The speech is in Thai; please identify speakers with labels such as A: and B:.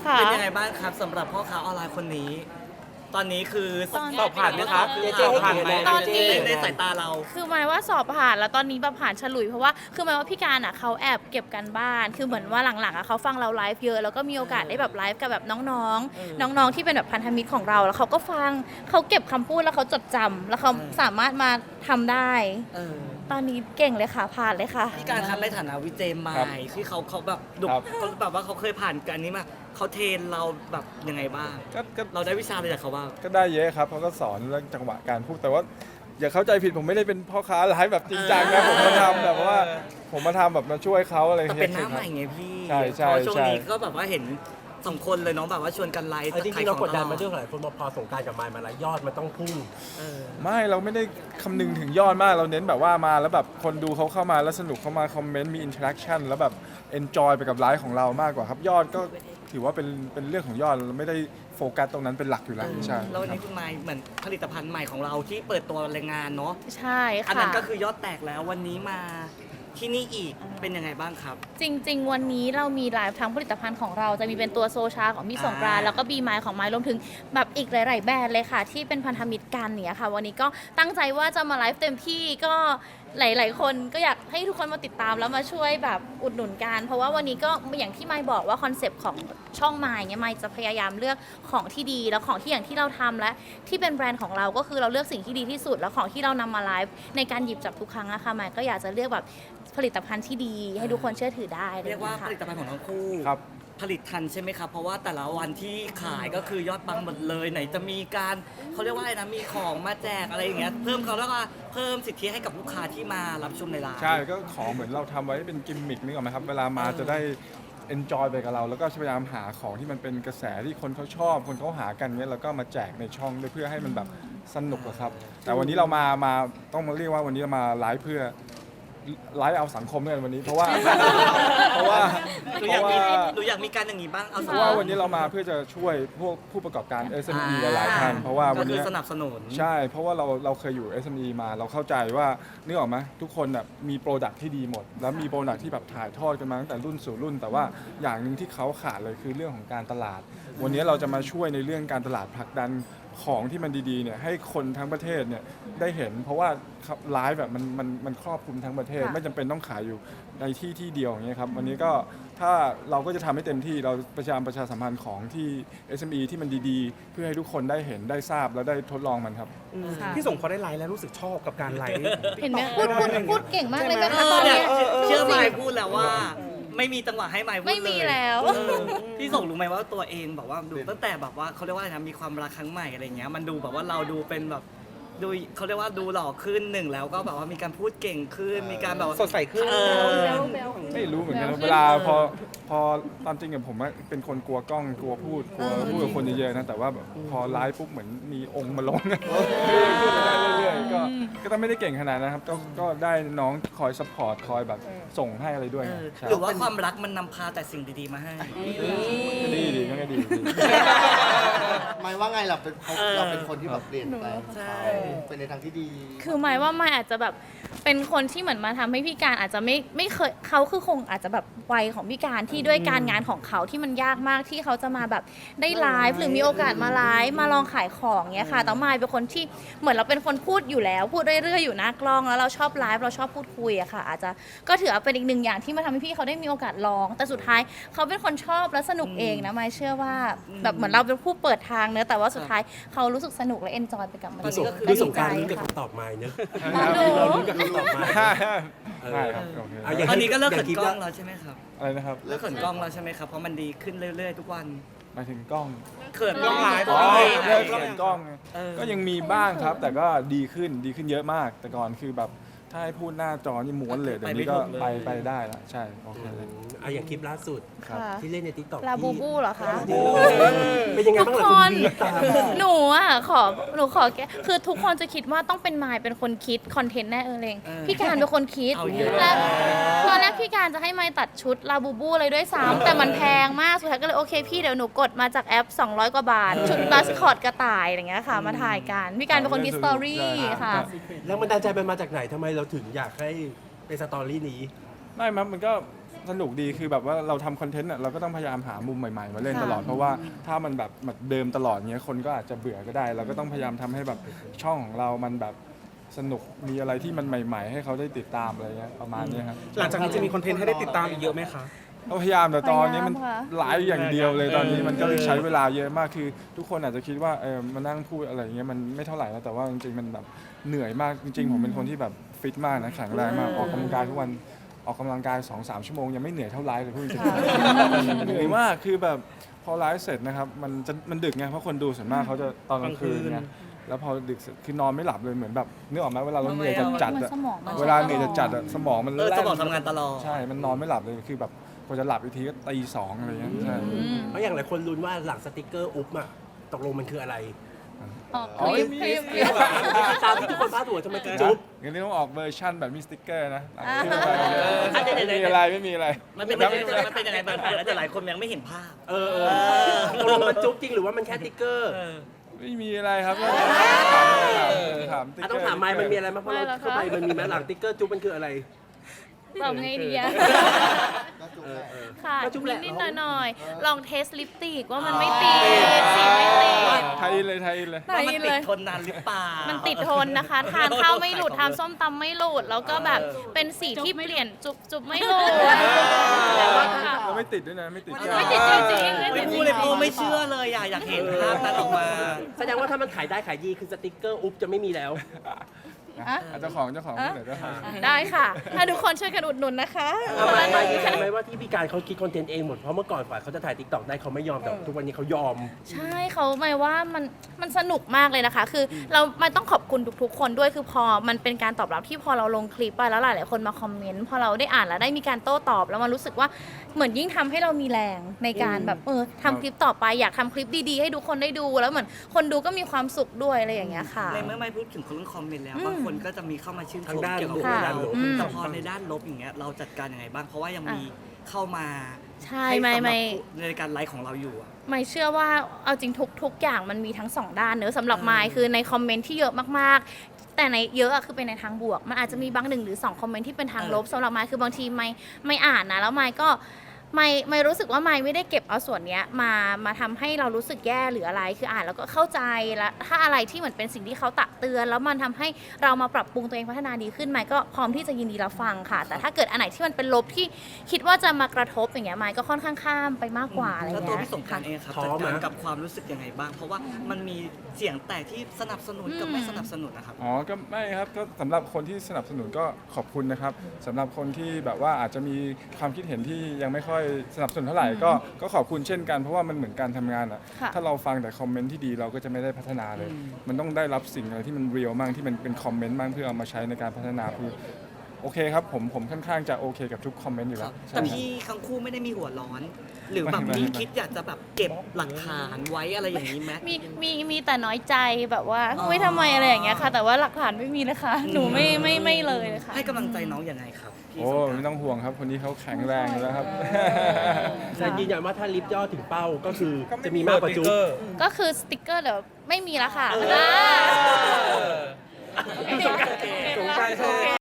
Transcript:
A: ค่ะ
B: เป็นยังไงบ้างครับสำหรับพ่อค้าออนไลน์คนนี้ ตอนนี้คือสอบผ่านไหมครับ
C: เจเจให้
B: ผ่าน
C: กี่
B: ไหม
C: คะแนน
A: ตอนนี้
B: ในสายตาเรา
A: คือหมายว่าสอบผ่านแล้วตอนนี้แบบผ่านฉลุยเพราะว่าคือหมายว่าพี่การอ่ะเขาแอบเก็บกันบ้านคือเหมือนว่าหลังๆอ่ะเขาฟังเราไลฟ์เยอะแล้วก็มีโอกาสได้แบบไลฟ์กับแบบน้องๆน้องๆที่เป็นแบบพันธมิตรของเราแล้วเขาก็ฟังเขาเก็บคำพูดแล้วเขาจดจำแล้วเขาสามารถมาทำได้
B: เออ
A: ตอนนี้เก่งเลยค่ะผ่านเลยค่ะ
B: พี่การครับในฐานะวิเจมายที่เขาแบบดุ
D: ครับ
B: เขาแบบว่าเขาเคยผ่านการนี้มาเขาเทรนเราแบบยังไงบ้าง
D: ก็
B: เราได้วิชาอะไรจากเขาบ้าง
D: ก็ได้เยอะครับเขาก็สอนเรื่องจังหวะการพูดแต่ว่าอย่าเข้าใจผิดผมไม่ได้เป็นพ่อค้าไลฟ์แบบจริงจังนะผมมาทำแบบว่าผมมาทำแบบมาช่วยเขาอะไรอ
B: แต่
D: ย่าง
B: เป็
D: เงี้
B: น
D: ย
B: หน้าใหม่ไงพี่
D: ใช่ใช่
B: เพราะช่วง
D: ใช่
B: นี้ก็แบบว่าเห็น2 คนเลยเน้องแบบว่าชวนกันไลฟ์
C: จริงๆเรากดดันมา
B: ด้
C: ด้วยหลายคนบอกพอสงกรารกับมายมาแล้วยอดมันต้องพุ่ง
D: ไม่เราไม่ได้คำนึงถึงยอดมากเราเน้นแบบว่ามาแล้วแบบคนดูเขาเข้ามาแล้วสนุกเข้ามาคอมเมนต์มีอินเทอร์แอคชั่นแล้วแบบเอนจอยไปกับไลฟ์ของเรามากกว่าครับยอดก็ถือว่าเป็นเรื่องของยอดเราไม่ได้โฟกัสตรงนั้นเป็นหลักอยู่แล้วใช่
B: แล้ววันนี้คุณไมค์เหมือนผลิตภัณฑ์ใหม่ของเราที่เปิดตัวแรงงานเนาะ
A: ใช่
B: อัน
A: ค่ะ
B: นั้นก็คือยอดแตกแล้ววันนี้มาที่นี่อีกเป็นยังไงบ้างครับ
A: จริง ๆ วันนี้เรามีไลฟ์ทั้งผลิตภัณฑ์ของเราจะมีเป็นตัวโซชาของพี่สงกรานต์แล้วก็บีไมล์ของไมล์รวมถึงแบบอีกหลาย ๆ แบรนด์เลยค่ะ ที่เป็นพันธมิตรกันเนี่ยค่ะ วันนี้ก็ตั้งใจว่าจะมาไลฟ์เต็มที่ก็หลาย ๆ คนก็อยากให้ทุกคนมาติดตามแล้วมาช่วยแบบอุดหนุนกันเพราะว่าวันนี้ก็อย่างที่ไมล์บอกว่าคอนเซปต์ของช่องไมล์เนี่ยไมล์จะพยายามเลือกของที่ดีแล้วของที่อย่างที่เราทำและที่เป็นแบรนด์ของเราก็คือเราเลือกสิ่งที่ดีที่สุด แล้วของที่เรานำมาไลฟ์ในการหยิบจับทุกครั้งอะค่ะไมล์ก็อยากจะเลือกแบบผลิตภัณฑ์ที่ดีให้ทุกคนเชื่อถือได้ล
B: เรียกว่า
A: นะคะ
B: ผลิตภัณฑ์ของทั้งคู่
D: ครับ
B: ผลิตทันใช่ไหมครับ เพราะว่าแต่ละวันที่ขายก็คือยอดปังหมดเลยไหนจะมีการเขาเรียกว่าอะไรนะมีของมาแจกอะไรอย่างเงี้ยเพิ่มเขาแล้วก็เพิ่มสิทธิให้กับลูกค้าที่มารับชมในร้าน
D: ใช่ก็ของเหมือนเราทำไว้เป็นกิมมิคนึกออกไหมครับเวลามาจะได้ enjoy ไปกับเรา แล้วก็พยายามหาของที่มันเป็นกระแสที่คนเขาชอบคนเขาหากันเนี้ยแล้วก็มาแจกในช่องด้วยเพื่อให้มันแบบสนุกอะครับ แต่วันนี้เรามาต้องมาเรียกว่าวันนี้เรามาไลฟ์เพื่อไลฟ์เอาสังคมด้วยกันวันนี้เพราะว่าเพราะว่า
B: หนูอยากมีหนูอยากมีการอย่างนี้บ้างเอา
D: เพ
B: สัก
D: ราะว่าวันนี้เรามาเพื่อจะช่วยพวกผู้ประกอบการ SME หลายๆท่านเพราะว่าวัน
B: ก็คือ
D: นี้
B: สนับสนุน
D: ใช่ เพราะว่าเราเคยอยู่ SME มาเราเข้าใจว่านึกออกไหมทุกคนแบบมีโปรดักที่ดีหมด แล้วมีโปรดักที่แบบถ่ายทอดกันมาตั้งแต่รุ่นสู่รุ่น แต่ว่าอย่างหนึ่งที่เขาขาดเลยคือเรื่องของการตลาด วันนี้เราจะมาช่วยในเรื่องการตลาดผลักดันของที่มันดีๆเนี่ยให้คนทั้งประเทศเนี่ยได้เห็น เพราะว่าไลฟ์แบบมันครอบคลุมทั้งประเทศ
A: ค่ะ
D: ไม่จำเป็นต้องขายอยู่ในที่เดียวอย่างเงี้ยครับวันนี้ก็ถ้าเราก็จะทำให้เต็มที่เราประชาสัมพันธ์ของที่ SME ที่มันดีๆ เพื่อให้ทุกคนได้เห็นได้ทราบแล้วได้ทดลองมันครับ
A: ค่ะ
E: พี่ส่งเขาได้ไลฟ์แล้วรู้สึกชอบกับการไลฟ์
A: เห็นไหมพูดเก่งมากเลยไหมคะตอน
B: เนี่
A: เนี้
B: ย
A: ย
B: เชื่อไมค์พูดแล้วว่า ไม่มีจังหวะให้ไมค์พูดเลย
A: ไม่มีแล้ว
B: พี่ส่งรู้ไหมว่าตัวเองแบบว่าดูตั้งแต่แบบว่าเขาเรียกว่าอะไรนะมีความรักครั้งใหม่อะไรเงี้ยมันดูแบบว่าเราดูเป็นแบบดูเขาเรียกว่าดูหล่อขึ้นหนึ่งแล้วก็แบบว่ามีการพูดเก่งขึ้นมีการแบบว่า
E: สดใสขึ้น
B: เออ
D: ไม่รู้เหมือนกัน
A: แล้ว
D: เวลาพอตามจริงกับผมอะเป็นคนกลัวกล้องกลัวพูดกับคนเยอะๆนะแต่ว่าแบบพอไลฟ์ปุ๊บเหมือนมีองค์มาลงพูดไปได้เรื่อยๆก็ต้องไม่ได้เก่งขนาดนะครับก็ได้น้องคอยซัพพอร์ตคอยแบบส่งให้อะไรด้วยใช่
B: หรือว่าความรักมันนำพาแต่สิ่งดีๆมาให้
D: ก็ดีก็ดี
F: ไม่ว่าไงเราเป็นคนที่แบบเปลี่ยนแปลง
B: ใช่
F: เป็นในทางที่ดี
A: คือหมายว่าไม่อาจจะแบบเป็นคนที่เหมือนมาทำให้พี่การอาจจะไม่เคยเขาคือคงอาจจะแบบวัยของพี่การที่ด้วยการงานของเขาที่มันยากมากที่เขาจะมาแบบได้ไลฟ์หรือมีโอกาสมาไลฟ์มาลองขายของเงี้ยค่ะแต่มายเป็นคนที่เหมือนเราเป็นคนพูดอยู่แล้วพูดเรื่อยๆอยู่หน้ากล้องแล้วเราชอบไลฟ์เราชอบพูดคุยอะค่ะอาจจะก็ถือว่าเป็นอีกหนึ่งอย่างที่มาทำให้พี่เขาได้มีโอกาสลอง แต่สุดท้ายเขาเป็นคนชอบและสนุกเองนะมายเชื่อว่าแบบเหมือนเราเป็นผู้เปิดทางเนอะแต่ว่าสุดท้ายเขารู้สึกสนุกและเอนจอยไปกับมัน
B: ตอนนี้ก็คือ
C: พี่สงกราร
A: ดี
C: ลุ้น
A: ใจ
C: กับ
A: ค่ะ
C: คำตอบมาเนอะ
A: ดู
C: เราลุ้นกับคำตอบมา
D: ใช่ครับโอเค
C: เอาอย่าง
B: ตอนนี้ก็เลิก
C: อ
B: เขิ
C: ย่าง
B: น
C: คลิป
B: กล้อง
C: ละ
B: แล้วใช่ไหมครับ
D: อะไรนะครับ
B: เลิกเขินกล้องแล้วใช่ไหมครับเพราะมันดีขึ้นเรื่อยๆทุกวัน
D: หมายถึงกล้อง
B: เขิน
E: กล้องไลฟ์
D: อ๋อ
E: เลิ
D: เลิ
E: ก
D: ก
E: กล้อง
D: เล่นกล้องก็ยังมีบ้างครับ แต่ก็ดีขึ้นเยอะมาก แต่ก่อนคือแบบถ้าให้พูดหน้าจอนี่ม้วนเลยเดี๋ยวนี้ก็ไปได้ละใช่โอเคเลย
C: เอาอย่างคลิปล่าสุด
D: ครับ
A: ค่ะ
C: ที่เล่นในทิกตอก
A: ลาบูบูเหรอคะ
C: เป็นยังไง
A: ทุก
C: บ้าง
A: ค
C: ล่ะคุณ
A: น
C: บีตาม
A: หนูขอแกคือทุกคนจะคิดว่าต้องเป็นมายเป็นคนคิดคอนเทนต์แน่เองพี่การเป็นคนคิด
B: เอาเยอะ
A: และตอนแรกพี่การจะให้มายตัดชุดลาบูบูเลยด้วยซ้ำแต่มันแพงมากสุดท้ายก็เลยโอเคพี่เดี๋ยวหนูกดมาจากแอป 200 กว่าบาท ชุดบาสคอตกระต่ายอย่างเงี้ยค่ะ มาถ่ายกันพี่การเป็นคนคิดสตอรี่ค่ะ
C: แล้วมันดาลใจมันมาจากไหนทำไมเราถึงอยากให้เป็นสตอรี่นี้
D: ไม่ครับมันก็สนุกดีคือแบบว่าเราทำคอนเทนต์เราก็ต้องพยายามหามุมใหม่ๆมาเล่นตลอด เพราะว่าถ้ามันแบบเหมือนเดิมตลอดเงี้ยคนก็อาจจะเบื่อก็ได้ เราก็ต้องพยายามทำให้แบบช่องของเรามันแบบสนุกมีอะไรที่มันใหม่ ๆ ให้เขาได้ติดตามอะไรเงี้ยประมาณเนี้ยครับ
E: หลังจากนี้จะมีคอนเทนต์ให้ได้ติดตามอีกเยอะไหมคะ
D: ก็พยายามแต่ตอนนี้มัน
A: พยายามค่ะ
D: ไลฟ์อย่างเดียวเลยตอนนี้มันก็เลยใช้เวลาเยอะมากคือทุกคนอาจจะคิดว่ามานั่งพูดอะไรเงี้ยมันไม่เท่าไหร่นะแต่ว่าจริงๆมันแบบเหนื่อยมากจริงๆผมเป็นคนที่แบบฟิตมากนะแข็งแรงมากออกกำลังกายทุกวันออกกำลังกาย 2-3 ชั่วโมงยังไม่เหนื่อยเท่าไลฟ์เลยพูดจริงๆเหนื่อยมากคือแบบพอไลฟ์เสร็จนะครับมันดึกไงเพราะคนดูส่วนมากเขาจะตอนกลางคืนไงแล้วพอดึกเสร็จคือนอนไม่หลับเลยเหมือนแบบนึกออกไหมเวลาเราเหนื่อยจัด
A: เหมื
D: ๆ
A: อนสมองมัน
D: เวลาเหนื่อยจัดๆสมองมัน
B: ส
D: แล่น
B: มองทำงานตลอด
D: ใช่ มันนอนไม่หลับเลยคือแบบกว่าจะหลับอีกทีก็ตี 2อะไรเงี้ยใช่
C: เพราะอย่างหลายคนลุ้นว่าหลังสติกเกอร์อุ๊บอะตกลงมันคืออะไร
A: ออก
D: อ๋อ
A: คลิป
D: มี
A: คลิป
D: มี
C: ตามที่ทุกคนพาดหัวทำไมถึงจุ๊บ
D: งั้นนี่ต้องออกเวอร์ชั่นแบบมีสติ๊กเกอร์นะ
B: อ่ะเดี๋ยว
D: ไม่มีอะไรไม่มีอะไร
B: มันเป็นยังไงบ้างแต่หลายคนยังไม่เห็นภาพ
C: ตกลงมันจุ๊บจริงหรือว่ามันแค่ติ๊กเกอร์
D: ไม่มีอะไรครับถามติ๊กเกอร์
C: ต้องถามไมค์มันมีอะไรบ้างเพราะเราเข้าไปมันมีไหมหลังติ๊กเกอร์จุ๊บมันคืออะไร
A: ตอบไงดีอะ
F: ก็จุ๊บแหละ
A: ค่ะ
C: ก็จุ๊บแหละ
A: นิดๆหน่อยๆลองเทสลิปสติกว่ามันไม่ติดสีไม่ติด
D: ไทยเลยไทยเลย
A: ไหน
B: ว่ามัน
A: เล
B: ติด
A: ย
B: ทนนานหรือเปล่า
A: มันติดทนนะคะ ทานข้าวไม่หลุดทานส้มตำไม่หลุด แล้วก็แบบเป็นสีที่เปลี่ยนจุบไม่หลุดแต่ว่าค่ะ
D: เราไม่ติดด้วยนะไม่ติด
A: ไม่ติดจริงๆไม่
B: ไม่
A: ติดจ
B: พู
A: ริ
B: ดเลย
A: ง
B: โอ้ไม่เชื่อเลยอยากเห็นภาพนั้นออกมา
C: แสดงว่าถ้ามันขายได้ขายดีคือสติกเกอร์อุ๊บจะไม่มีแล้ว
D: เจ้าของที่ไหนเจ้าของ
A: ได้ค่ะ ถ้าทุกคนช่วยกันอุดหนุนนะคะ
C: ไม่ดีใจไหมว่าที่พี่การเขาคิดคอนเทนต์เองหมด เพราะเมื่อก่อนฝ่ายเขาจะถ่ายติ๊กต็อกได้เขาไม่ยอมแต่ทุกวันนี้เขายอม
A: ใช่เขาหมายว่ามันสนุกมากเลยนะคะ คือมันต้องขอบคุณทุกๆคนด้วยคือพอมันเป็นการตอบรับที่พอเราลงคลิปไปแล้วหลายๆคนมาคอมเมนต์พอเราได้อ่านแล้วได้มีการโต้ตอบแล้วมันรู้สึกว่าเหมือนยิ่งทำให้เรามีแรงในการแบบทำคลิปต่อไปอยากทำคลิปดีๆให้ทุกคนได้ดูแล้วเหมือนคนดูก็มีความสุขด้วยอะไรอย่างเงี้ยค่ะ
B: ในเมื่อไม่พูดถึงคนคอมเมนต์แล้วบางคนก็จะมีเข้ามาชื่นช
C: ทาง
B: ม
C: ด้าน
B: เกี่ยวกับ
C: บวก
B: เรา
C: ด้านลบ
B: แต่พอในด้านลบอย่างเงี้ยเราจัดการยังไงบ้างเพราะว่ายังมีเข้ามา
A: ใช่
B: ห้
A: ไม่
B: สำหรับ
A: ไม่
B: ในการไลฟ์ของเราอยู่อะ
A: ไม่เชื่อว่าเอาจริงทุกอย่างมันมีทั้งสองด้านเนอะสำหรับไมค์คือในคอมเมนต์ที่เยอะมากๆ แต่ในเยอะอะคือเป็นในทางบวก มันอาจจะมีบางหนึ่งหรือ2คอมเมนต์ที่เป็นทางลบสำหรับไมค์คือบางทีไม่อ่านนะแล้วไมค์ก็ไม่รู้สึกว่าไม่ได้เก็บเอาส่วนเนี้ยมาทำให้เรารู้สึกแย่หรืออะไรคืออ่านแล้วก็เข้าใจแล้วถ้าอะไรที่เหมือนเป็นสิ่งที่เขาตักเตือน แล้วมันทำให้เรามาปรับปรุงตัวเองพัฒนาดีขึ้นไมค์ก็พร้อมที่จะยินดีรับฟังค่ะ แต่ถ้าเกิดอันไหนที่มันเป็นลบที่คิดว่าจะมากระทบอย่างเงี้ยไมค์ก็ค่อนข้างข้ามไปมากกว่าอะไร
B: แล้ว
A: เงี้ย
B: ตัวพี่สงกรานต์เองครับ
C: ท้อ
B: จัด
C: ไหม
B: การกับความรู้สึกยังไงบ้าง เพราะว่ามันมีเสียงแตกที่สนับสนุนกับไม่สนับสนุนนะครับ
D: อ๋อ ก็ไม่ครับ ก็สำหรับคนที่สนับสนุนก็ขอบคุณนะครับสำหรับคนที่แบบว่าอาจจะมีความคิดเห็นที่ยังไม่ค่อยสนับสนุนเท่าไหร่ก็ขอบคุณเช่นกันเพราะว่ามันเหมือนการทำงานอ่ะ
A: ค่ะ
D: ถ้าเราฟังแต่คอมเมนต์ที่ดีเราก็จะไม่ได้พัฒนาเลย มันต้องได้รับสิ่งอะไรที่มันเรียลมั่งที่มันเป็นคอมเมนต์มั่งเพื่อเอามาใช้ในการพัฒนาคือโอเคครับผมค่อนข้างจะโอเคกับทุกคอมเมนต์อยู่แล้ว
B: แต่พี่ทั้งคู่ไม่ได้มีหัวร้อน หรือแบบมีคิดอยากจะแบบเก็บหลักฐานไว้อะไรอย่างนี้ไหม
A: มีแต่น้อยใจแบบว่าเฮ้ยทำไมอะไรอย่างเงี้ยค่ะ แต่ว่าหลักฐานไม่มีเลยค่ะ หนูไม่เลยค่ะ
B: ให้กำลังใจน้องยังไงครับพี่
D: โอ้
B: สงกราน
D: ไม่
B: ต์
D: ต้องห่วงครับคนนี้เขาแข็งแรงอยู่แล้วครับ
C: แต่ยืนยันว่าถ้าลิฟต์ย่อถึงเป้าก็คือจะมีมากกว่าจุ๊บ
A: ก็คือสติกเกอร์เดี๋ยวไม่มีแล้วค่ะ
C: สงกรานต์